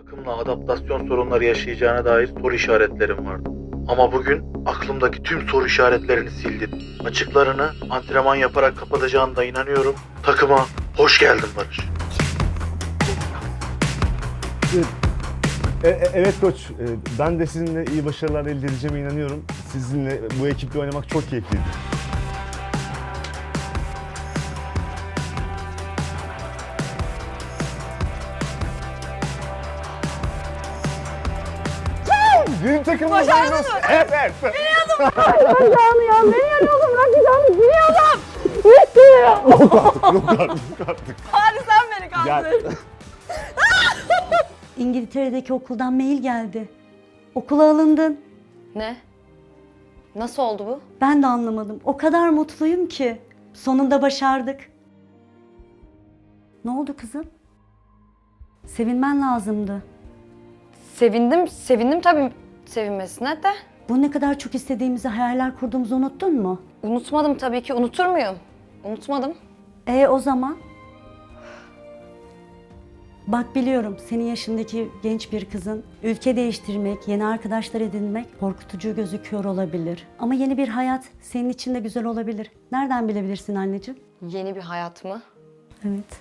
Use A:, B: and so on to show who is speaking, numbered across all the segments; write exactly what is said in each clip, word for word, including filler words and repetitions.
A: takımla adaptasyon sorunları yaşayacağına dair soru işaretlerim vardı. Ama bugün aklımdaki tüm soru işaretlerini sildim. Açıklarını antrenman yaparak kapatacağına da inanıyorum. Takıma hoş geldin Barış.
B: E, e, evet koç, e, ben de sizinle iyi başarılar elde edeceğime inanıyorum. Sizinle bu ekiple oynamak çok keyifliydi. Yeni takım
C: Başardın mı?
B: Evet, evet.
C: Bacağını ya, beni yanıyordum, bırakacağını biliyordum. Gitti.
B: Yok artık, yok artık, yok artık.
C: Bari sen beni
B: Gel.
C: kandır.
D: İngiltere'deki okuldan mail geldi. Okula alındın.
C: Ne? Nasıl oldu bu?
D: Ben de anlamadım. O kadar mutluyum ki. Sonunda başardık. Ne oldu kızım? Sevinmen lazımdı.
C: Sevindim, sevindim tabii sevinmesine de.
D: Bu ne kadar çok istediğimizi, hayaller kurduğumuzu unuttun mu?
C: Unutmadım tabii ki, unutur muyum? Unutmadım.
D: E o zaman? Bak biliyorum senin yaşındaki genç bir kızın ülke değiştirmek, yeni arkadaşlar edinmek korkutucu gözüküyor olabilir. Ama yeni bir hayat senin için de güzel olabilir. Nereden bilebilirsin anneciğim?
C: Yeni bir hayat mı?
D: Evet.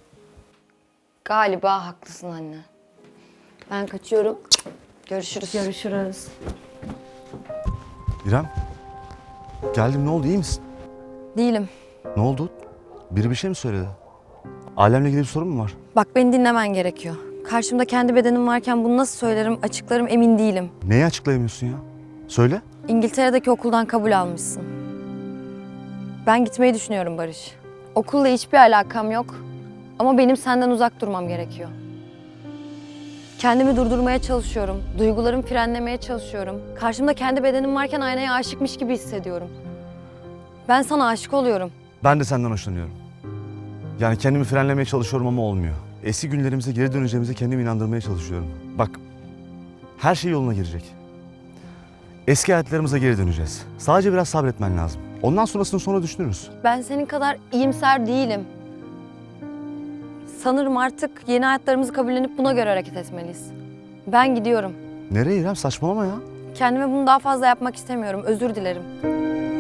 C: Galiba haklısın anne. Ben kaçıyorum. Görüşürüz.
D: Görüşürüz.
B: İrem, geldim, ne oldu, iyi misin?
C: Değilim.
B: Ne oldu? Biri bir şey mi söyledi? Ailemle ilgili bir sorun mu var?
C: Bak beni dinlemen gerekiyor. Karşımda kendi bedenim varken bunu nasıl söylerim, açıklarım emin değilim.
B: Neyi açıklayamıyorsun ya? Söyle.
C: İngiltere'deki okuldan kabul almışsın. Ben gitmeyi düşünüyorum Barış. Okulla hiçbir alakam yok. Ama benim senden uzak durmam gerekiyor. Kendimi durdurmaya çalışıyorum. Duygularımı frenlemeye çalışıyorum. Karşımda kendi bedenim varken aynaya aşıkmış gibi hissediyorum. Ben sana aşık oluyorum.
B: Ben de senden hoşlanıyorum. Yani kendimi frenlemeye çalışıyorum ama olmuyor. Eski günlerimize geri döneceğimize kendimi inandırmaya çalışıyorum. Bak, her şey yoluna girecek. Eski hayatlarımıza geri döneceğiz. Sadece biraz sabretmen lazım. Ondan sonrasını sonra düşünürüz.
C: Ben senin kadar iyimser değilim. Sanırım artık yeni hayatlarımızı kabullenip buna göre hareket etmeliyiz. Ben gidiyorum.
B: Nereye İrem? Saçmalama ya.
C: Kendime bunu daha fazla yapmak istemiyorum. Özür dilerim.